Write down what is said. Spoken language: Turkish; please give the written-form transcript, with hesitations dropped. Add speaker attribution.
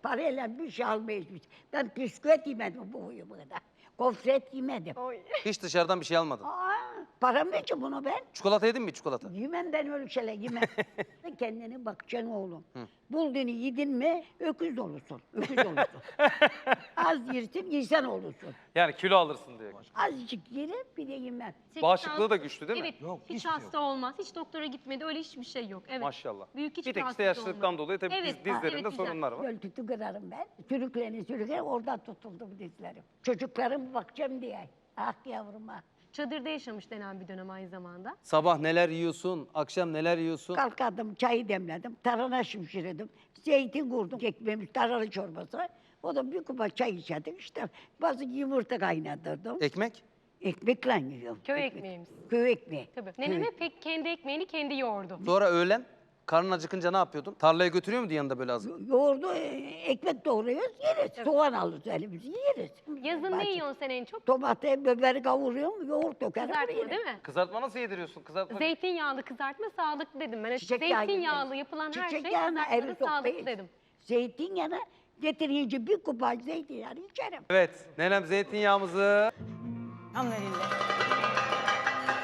Speaker 1: Parayla bir şey almayız biz. Ben bisküvit yemedim bu huyuma kadar. Gofret yemedim.
Speaker 2: Oy.
Speaker 3: Hiç dışarıdan bir şey almadın.
Speaker 1: Param ne ki bunu ben?
Speaker 3: Çikolata yedin mi çikolata?
Speaker 1: Yemem ben öyle şeyler yemem. Kendine bakacaksın oğlum. Bulduğunu yedin mi öküz olursun. Öküz olursun. Az yersin insan olursun.
Speaker 3: Yani kilo alırsın diye.
Speaker 1: Azıcık yerim bir de yemem.
Speaker 3: Bağışıklığı da güçlü değil mi?
Speaker 2: Evet,
Speaker 4: Yok,
Speaker 2: hiç
Speaker 4: hiçbir şey
Speaker 2: hasta olmaz. Hiç doktora gitmedi, öyle hiçbir şey yok. Evet.
Speaker 3: Maşallah.
Speaker 2: Büyük hiçbir
Speaker 3: Bir tek işte
Speaker 2: rahatsızlık
Speaker 3: yaşlılıktan
Speaker 2: olmadı.
Speaker 3: dolayı tabii
Speaker 2: Evet,
Speaker 3: dizlerinde
Speaker 2: evet, güzel.
Speaker 3: sorunlar var.
Speaker 1: Göl tütü kırarım ben. Sürüklenir oradan tutuldu bu dizlerim. Çocuklarım bakacağım diye. Ah yavrum ah.
Speaker 2: Çadırda yaşamış denen bir dönem aynı zamanda.
Speaker 3: Sabah neler yiyorsun, akşam neler yiyorsun?
Speaker 1: Kalkardım, çayı demledim, tarhana şimşirdim, zeytin kurdum, ekmeğimiz tarhana çorbası. O da bir kupa çay içerdik işte. Bazı yumurta kaynatırdım.
Speaker 3: Ekmek?
Speaker 1: Ekmekle yiyorum.
Speaker 2: Köy ekmeğimiz.
Speaker 1: Köy ekmeği.
Speaker 2: Tabii. Nenem hep pek kendi ekmeğini kendi yoğurdu.
Speaker 3: Sonra öğlen karnın acıkınca ne yapıyordun? Tarlaya götürüyor muydun yanında böyle az?
Speaker 1: Yoğurdu, ekmek doğruyoruz, yeriz. Soğan alırız elimizi, yeriz.
Speaker 2: Yazın ne yiyorsun sen en çok?
Speaker 1: Domatesi, biberi kavuruyorum, yoğurt dökerim.
Speaker 2: Kızartma
Speaker 1: yerim.
Speaker 2: değil mi?
Speaker 3: Kızartma nasıl yediriyorsun? Kızartma.
Speaker 2: Zeytinyağlı kızartma sağlıklı dedim ben.
Speaker 1: Çiçek yağı
Speaker 2: Zeytinyağlı
Speaker 1: yeriz.
Speaker 2: yapılan her
Speaker 1: Çiçek
Speaker 2: şey
Speaker 1: yağına
Speaker 2: kızartmada
Speaker 1: eri
Speaker 2: sağlıklı
Speaker 1: sokmayız.
Speaker 2: dedim.
Speaker 1: Zeytinyağını getirince bir kupa zeytinyağı içerim.
Speaker 3: Evet, nenem zeytinyağımızı
Speaker 5: Alhamdulillah.